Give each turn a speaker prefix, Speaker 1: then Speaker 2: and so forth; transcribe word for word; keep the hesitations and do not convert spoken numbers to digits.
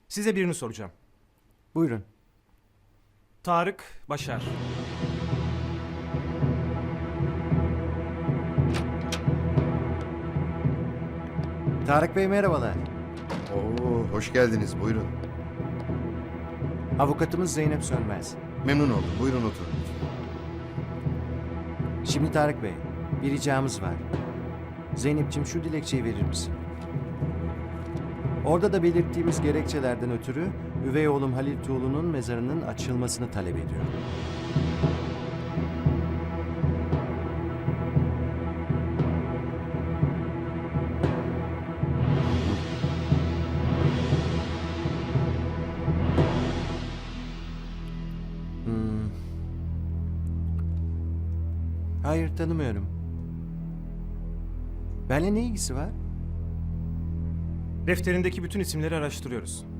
Speaker 1: Size birini soracağım.
Speaker 2: Buyurun.
Speaker 1: Tarık Başar.
Speaker 2: Tarık Bey merhabalar.
Speaker 3: Oo, hoş geldiniz. Buyurun.
Speaker 2: Avukatımız Zeynep Sönmez.
Speaker 3: Memnun oldum. Buyurun oturun.
Speaker 2: Şimdi Tarık Bey, bir ricamız var. Zeynep'ciğim şu dilekçeyi verir misin? Orada da belirttiğimiz gerekçelerden ötürü üvey oğlum Halil Tuğlu'nun mezarının açılmasını talep ediyor. Hmm. Hayır, tanımıyorum. Benimle ne ilgisi var?
Speaker 1: Defterindeki bütün isimleri araştırıyoruz.